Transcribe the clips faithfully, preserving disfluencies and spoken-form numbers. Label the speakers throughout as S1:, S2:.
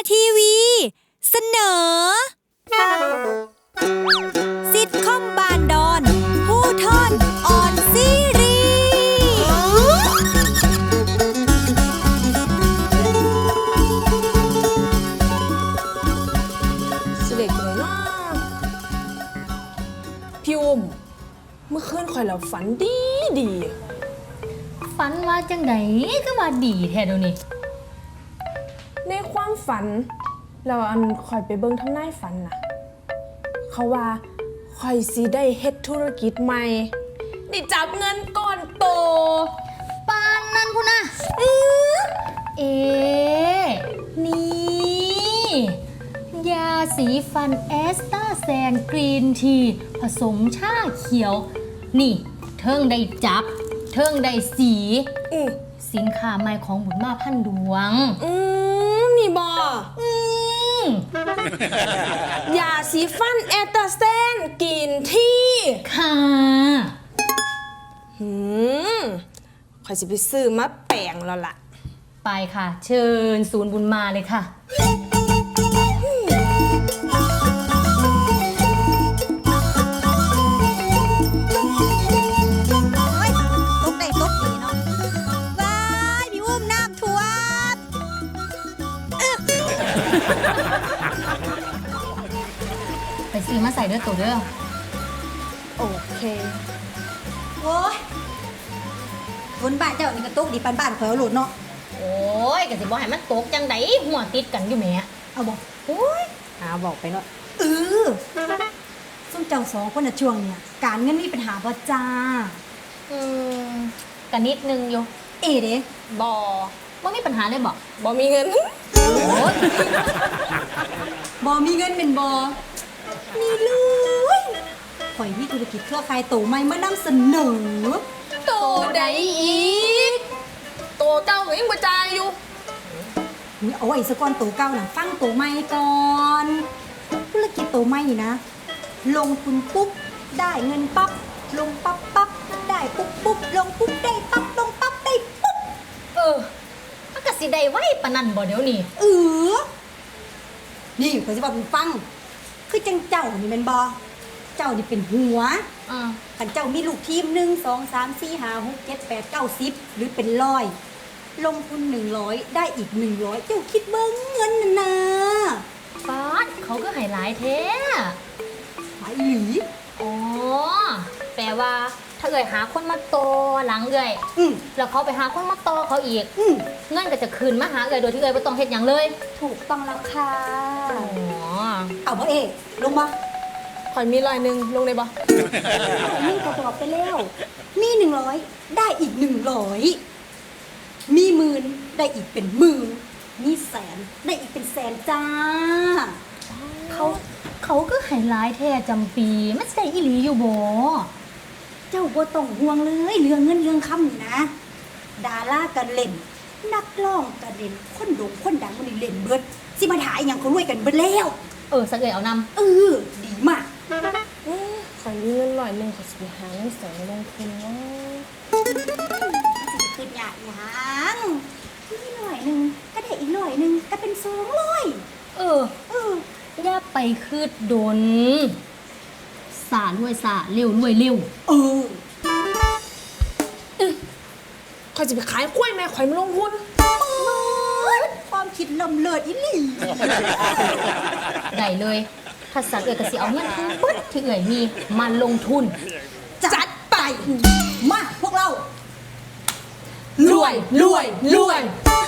S1: ทีวีเสนอซิทคอมบานดอนผู้ทอนออนซีรี
S2: สิเด็กเลยเนาะพี่อุ้มเมื่อคืนข่อยแล้วฝันดีดี
S3: ฝันว่าจังไดก็ว่าดีแท้เดี๋ยวนี้
S2: ในความฝันเราอันข่อยไปเบิ่งทำนายฝันนะเขาว่าข่อยสิได้เฮ็ดธุรกิจใหม่ได้จับเงินก้อนโต
S3: ปานนั้นพุ่นน่ะเออเอนี่ยาสีฟันแอสตาแซนกรีนทีผสมชาเขียวนี่เทิงได้จับเทิงได้สี
S2: อือ
S3: สินค้าใหม่ของบุญมาพันดวง
S2: อืมนี่บ่
S3: อืม
S2: ยาสีฟันแอตตาแซนกินที่
S3: ค่ะ
S2: หืมข่อยสิไปซื้อมาแปลงแล้วล่ะ
S3: ไปค่ะเชิญศูนย์บุญมาเลยค่ะไปซื้อมาใส่เด้อตัวเด้อ
S2: โอเค
S4: โอ้ยคนบ้านเจ้านี่กระตุกดีปันบ้านข่อยเอาโหลดเนาะ
S3: โอ้ยกะสิบ่ให้มันตกจังไดหัวติดกันอยู่แหม
S4: เอาบ่
S3: โอ้ยหาบอกไปเนาะ
S4: เออส้มเจ้าสองคนน่ะช่วงเนี่ยการเงินมีปัญหาบ่จ้า
S3: อืมก็นิดนึงอยู่
S4: เอเด้
S3: บ่บ่มีปัญหาเลยบ่
S2: บ่มีเงิน
S3: โอ้ย
S4: บ่มีเงินเป็นบ่นี่เลยข่อยมีธุรกิจเครือข่ายโตใหม่มานำเสนอ
S2: โตใดอีกโตเจ้าก็ยังบ่จ่ายอยู่
S4: เอาไว้ซะก่อนโตเก่าน่ะฟังโตใหม่ก่อนธุรกิจโตใหม่นี่นะลงทุนปุ๊บได้เงินปั๊บลงปั๊บปั๊บได้ปุ๊บปุ๊บลงปุ๊บได้ปั๊บลงปั๊บได้ปุ๊บ
S3: เออมันก็สิได้ไว้ปานนั้นบ่เดี๋ยวนี้
S4: เออนี่ข่อยสิบอกให้ฟังคือจังเจ้านี่แม่นบ่เจ้านี่เป็นหัว
S3: อ่า
S4: คันเจ้ามีลูกทีมหนึ่ง สอง สาม สี่ ห้า หก เจ็ด แปด เก้า สิบหรือเป็นร้อยลงทุนหนึ่งร้อยได้อีกหนึ่งร้อยเจ้าคิดเบิ่งเงินน่ะนะ
S3: ป๊าดเขาก็ให้หลายแท้
S4: หลายอีหลี
S3: อ๋อแปลว่าถ้าเอ่ยหาคนมาโตหลังเอ่ยแล้วเขาไปหาคนมาโตเขาอีกเงินก็จะคืนมาหาเอ่ยโดยที่เอ่ยไม่ต้องเฮ็ดหยังเลย
S4: ถูกต้องแล้วค่ะ
S3: อ๋อ
S4: เอาบ่เอ๊ลงมา
S2: ข่อยมีร้อยหนึ่งลงได้บ่
S4: มีก็บอกไปแล้วมีหนึ่งร้อยได้อีกหนึ่งร้อยมีหมื่นได้อีกเป็นหมื่นมีแสนได้อีกเป็นแสนจ้า
S3: เขาเขาก็ให้หลายแท้จำปีมันใช่อีหลีอยู่บ่
S4: เจ้าบ่ต้องห่วงเลยเรื่องเงินเรื่องคำนี่นะดารากันเล่นนักร้องกันเล่นคนโด่งคนดังมันนี่เล่นเบิดสิมาถ่ายอย่างเขารวยกันเบิดแล้ว
S3: เออสักเอ่ยเอานำ
S4: เออดีมาก
S2: ข่อยมีเงินร้อยหนึ่งข่อยสิไปหาเงินแสนลงทุนเนาะ
S4: สิจะขึ้นยากยังมีหน่อยหนึ่งก็ได้อีกหน่อยหนึ่งก็เป็นสองร้อย
S3: เออเออย่าไปคืดดนสารวยสาเร็วรวยเร็ว
S4: เออ
S2: ข่อยจะไปขายกล้วยแม่ข่อยมาลงทุน
S4: ความคิดลำเลิศอีหลี
S3: ได้เลยถ้าสักเอ๋ยก็สิเอาเงินทั้งปึ๊ดที่เอ๋ยมีมาลงทุน
S4: จัดไปมาพวกเรา
S2: รวยรวยรวย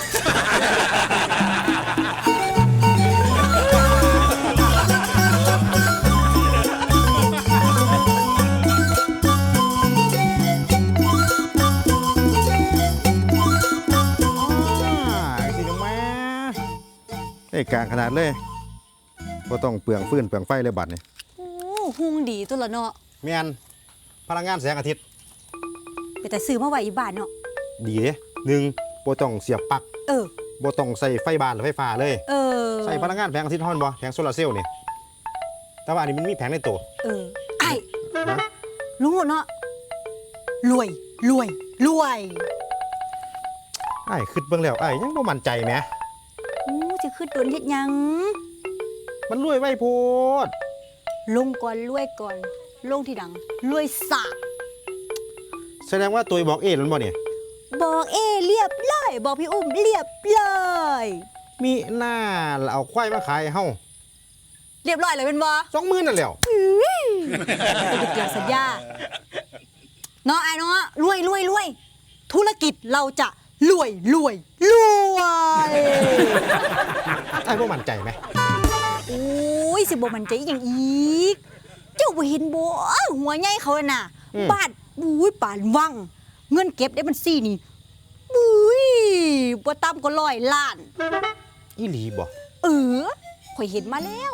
S5: กลางขนาดเลยก็ต้องเปลืองฟืนเปลืองไฟเลยบัดนี่
S4: โอ้หุ่งดีตัวละเนาะ
S5: แม่นพลังงานแสงอาทิตย์
S4: แต่ซื้อมาไว้อีบ้านเนาะ
S5: ดีเด้หนึ่งบ่ต้องเสียบปลั๊ก
S4: เออ
S5: บ่ต้องใส่ไฟบ้านหรือไฟฟ้าเลย
S4: เออ
S5: ใส่พลังงานแสงอาทิตย์ฮ้อนบ่แผงโซลาร์เซลล์นี่แต่ว่าอันนี้มันมีแผงในตัว
S4: เออไอ้รู้เนาะรวยรวยรวย
S5: ไอ้คิดเบิ่งแล้วไอ้ยังบ่มั่นใจแหม
S4: สิขึ้นตนเฮ็ดหยัง
S5: มันรวยไว้โพด
S4: ลงก่อนรวยก่อน ลงที่ดังรวยสาก
S5: แสดงว่าตัวบอกเอแล้วบ่เนี่ย
S4: บอกเอเรียบร้อยบอกพี่อุ้มเรียบร้อย
S5: มีหน้าเราเอาควายมาขายให้เฮา
S4: เรียบร้อยเลยเป็นบ่
S5: สองหมื่นนั่นแหล้ว
S4: จะไปเกี่ยวสัญญาเนาะไอ้เนาะรวยรวยรวยธุรกิจเราจะรวยรวยรวย
S5: ไอ้บ่มั่นใจไหม
S4: โอ้ยสิบ่มันใจอหย่างอีก เจ้าบ่เห็นบ่หัวใหญ่เขาน่ะบ้านบุ้ยป่านวัง เงินเก็บได้บัญชีนี่บุ้ยบ่ต่ำกว่าร้อยล้าน
S5: อีหลีบ่
S4: เออข่อยเห็นมาแล้ว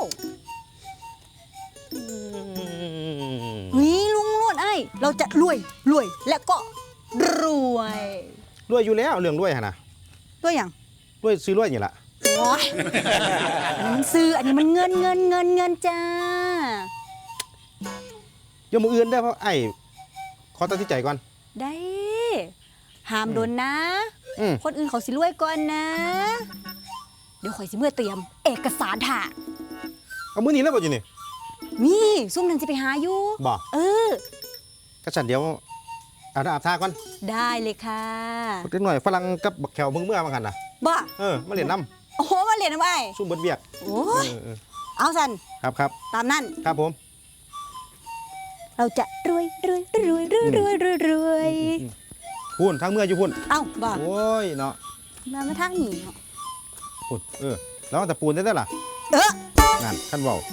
S4: นี่ลุงนวดไอ้เราจะรวยรวยและก็รวย
S5: รวยอยู่แล้วเรื่องรวยหั่นน่ะ
S4: รวยอย่าง
S5: รวยซื้อรวยนี่ล่ะ
S4: โอ้ยอันนี้มันซื้ออันนี้มันเงินเงินเงินเงินจ้า
S5: เดี๋ยวมื้ออื่นได้อเพราะไอ้ขอตัดสินใจก่อน
S4: ได้ห้ามโดนนะ
S5: อืม
S4: คนอื่นเขาสิรวยก่อนนะ เดี๋ยวข่อยสิเมื่อเตรียม เอกสารถ่า
S5: เอามื้อนี้แล้วบ่อยู่นี่
S4: นี่ซุ่มนั้นจะไปหาอยู่
S5: บ่
S4: เออ
S5: ก็ฉันเดี๋ยวอาบน้ำอาบท่าก่อน
S4: ได้เลยค่ะ
S5: เล็กหน่อยฝรั่งกับบักแขวมึงเมื่อมากันน่ะ
S4: บ้า
S5: เออมาเล่นน้
S4: โอ้โหมาเรียนทำไม
S5: ำซุ่มเบิดเวียก
S4: โอ้ย
S5: เออเออ
S4: เอาสัน
S5: ครับครับ
S4: ตามนั่น
S5: ครับผม
S4: เราจะรวยรวยรวยรวยรวยรวยรวย
S5: พุ่นทั้งเมื่ออยู่พุ่น
S4: เอ้าบ้า
S5: โอ้ยเนาะ
S4: มามาทางนี้เนาะ
S5: พุ่นเออแล้วแต่ปูนได้ได้อล่ะ
S4: เออ
S5: นั่นขั้นเบา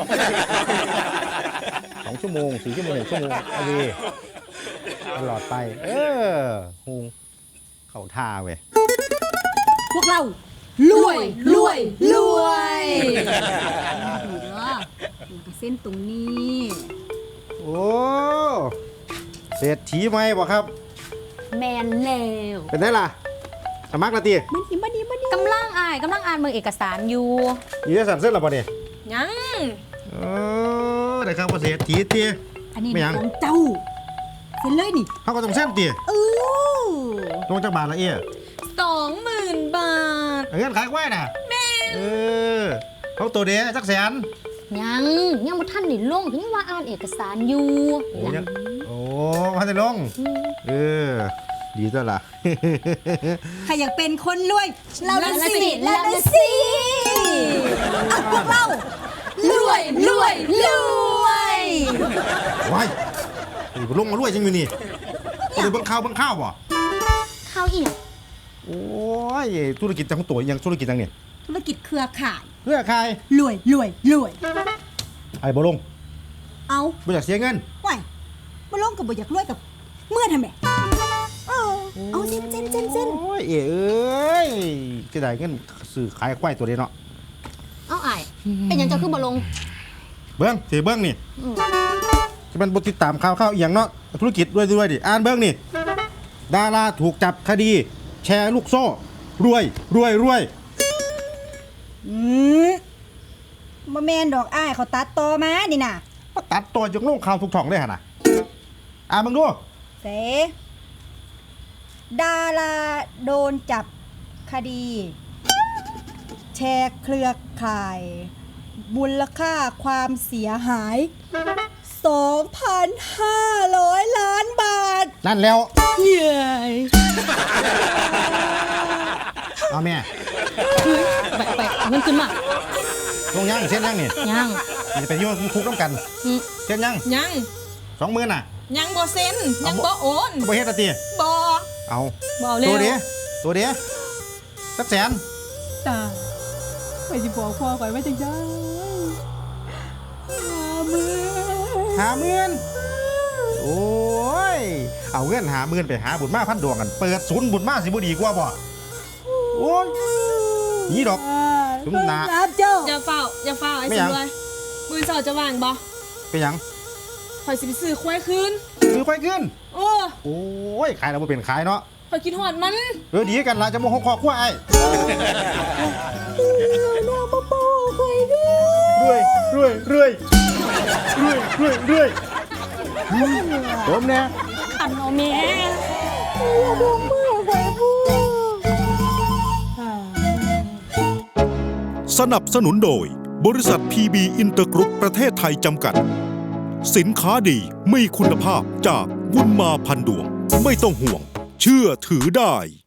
S5: สองชั่วโมงสี่ชั่วโมงหกชั่วโมงโอเคตลอดไป เออฮงเข้าท่าเว้ย
S4: พวกเรารวยรวยรวยดีเนาะเส้นตรงนี้
S5: โอ้เศรษฐีไหมบ่ครับ
S3: แมนแล้ว
S5: เป็นได้ล่ะสมัครละตี
S4: มันดีมันดีมันดี
S3: กำลังอ่านกำลังอ่านเมืองเอกสารอยู่
S5: ยีได้สั่นเส้นหรอปะเนี่ย
S2: ยัง
S5: เออได้ครับว่าเศรษฐีตี
S4: อันนี้
S5: ไม่ยัง
S4: ของเจ้าเซ็นเลยนี่
S5: เขาก็ต้องเส้นตี
S4: เออ
S5: ลงจากบาทละเอีย
S2: สองหมื่นบาท
S5: เงินขายไว้น่ะแม่เออเขาตัวเดียวจักแสน
S3: ยังยังบ่ทันได้ลงยังว่าอ่านเอกสารอยู่
S5: โอ้ยังโอ้พันได้ลงเออดีจ้ะล่ะ
S4: ใครอยากเป็นคนรวยเราละสิเราละสิเอาพวกเรารวยรวยรวย
S5: ว้ายนี่ลงมารวยจังอยู่นี่เอาไปเบิ่งข้าวเบิ่งข้าวบ่
S3: ข้าวอีหยัง
S5: โอ้ยธุรกิจจังตัวยังธุรกิจจังเนี่ย
S4: ธุรกิจเครือข่าย
S5: เพื่อใคร
S4: รวยรวยรวย
S5: ไอ้บ่ลง
S4: เอา
S5: บ่อยากเสียเงิน
S4: ไหวมาลงกับบ่อยากรวยกับเมื่อทำไมเออเอาเส้นเส้นเส้นเส้น
S5: โอ้ยเอ้ยจะได้เงินซื้อขายควายตัวเดียวเนาะ
S3: เอาอ้ายเป็นหยังเจ้าคือบ่ลง
S5: เบิ้งสิเบิ้งนี่จะเป็นบทติดตามข่าวข่าวอหย่างเนาะธุรกิจด้วยด้วยดิอ่านเบิ้งนี่ดาราถูกจับคดี แชร์ลูกโซ่รวยรวยรวย
S4: อืมบ่แมนดอกอ้ายเขาตัดต่อมานี่น่ะ
S5: มาตัดตัวจงลงข่าวทุกช่องเลยฮะนะอ่านมึงดู
S4: เสดาราโดนจับคดี แชร์เครือข่ายมูลค่าความเสียหาย สองพันห้าร้อย ล้านบาท
S5: นั่นแล้ว
S4: เย้ย
S5: เอาแม่
S3: ไปไปเอาเงินขึ้นมา
S5: ลงยังเส้นยังนี่
S3: ยัง
S5: จะไปโยนคุกน้ำกัน
S3: อืม
S5: เส้นยัง
S2: ยัง
S5: สองหมื่นน่ะ
S2: ยังบ่เซ็นยังบ่โอน
S5: ก็ไปเฮ็ดอะตี
S2: บ่
S5: เอา
S2: บ่เร็
S5: ตัว
S2: ว
S5: เดียวตัวเดียวสักแสน
S2: ตาไปสิบอกพ่อก่อนว่าจังได้หามือ
S5: หาหมื่นโอ้ยเอาเงินหาหมื่นไปหาบุญมาพันดวงกันเปิดศูนย์บุญมาสิบ่ดีกว่าบ่โอ้ยนี่ดอก จุ๊บหนา
S4: ครับเจ้า
S2: อย่าเฝ้าอย่าเฝ้าไอ้
S5: ไม่
S2: สิ
S5: หยัง
S2: เลยมือเสาจะวางบ่
S5: เป็นหยัง
S2: ข่อยสิไปซื้อควายคืน
S5: ซื้อควายขึ้น
S2: โอ้
S5: โอ้ยขายแล้วบ่เป็นขายเนาะ
S2: ข่อยกินหอดมัน
S5: เออดีกันละจะโมโหคอขั้วไอ้รวยรวยรวยรวยรวยรวยผมเนี่ย
S2: อันเอาแม่
S4: เ
S6: สนับสนุนโดยบริษัท พี บี อินเตอร์กรุ๊ปประเทศไทยจำกัดสินค้าดีมีคุณภาพจากบุญมาพันดวงไม่ต้องห่วงเชื่อถือได้